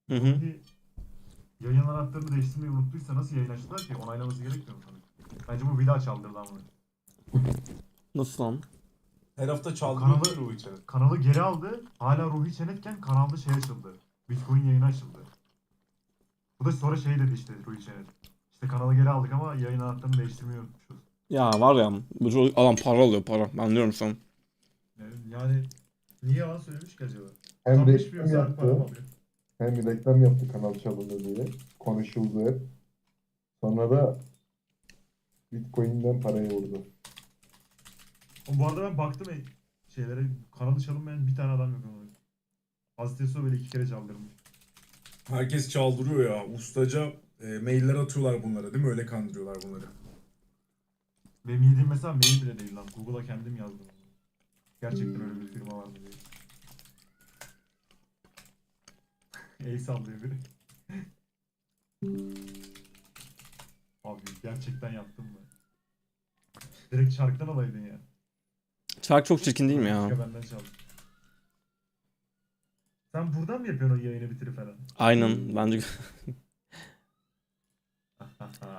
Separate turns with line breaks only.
Hı hı.
Ruhi yayın anahtarını değiştirmeyi unuttuysa nasıl yayın açtılar ki? Onaylaması gerekmiyor mu sana? Bence bu bir daha çaldırdı ama.
Nasıl lan?
Her hafta
O
çaldırıyor
kanalı,
Ruhi Çenet.
kanalı geri aldı. Hala Ruhi Çenetken kanalda şey açıldı. Bitcoin yayını açıldı. Bu da sonra şey dedi işte Ruhi Çenet. İşte kanalı geri aldık ama yayın anahtarını değiştirmeyi unutmuşuz.
Ya var ya bu çocuk adam para alıyor para. Ben diyorum sana.
Yani niye yalan söylemiş ki acaba?
Hem
mı
reklam
alıyor?
yaptı, hem reklam yaptı kanal çalındı diye. Konuşuldu hep. Sonra da Bitcoin'den parayı vurdu.
Bu arada ben baktım şeylere, kanalı çalınmayan bir tane adam yok ama. Hazreti Yusuf böyle 2 kere çaldırmış.
Herkes çaldırıyor ya. Ustaca mailler atıyorlar bunlara değil mi? Öyle kandırıyorlar bunları.
Benim yediğim mesela mail bile değil lan. Google'a kendim yazdım. Gerçekten öyle bir firma var mı diye. El sallıyor biri. Abi gerçekten yaptım mı? Direkt şarkıdan alaydın ya.
Şarkı çok çirkin değil mi ya?
Başka benden çal. Sen buradan mı yapıyorsun o yayını bitirip falan?
Aynen bence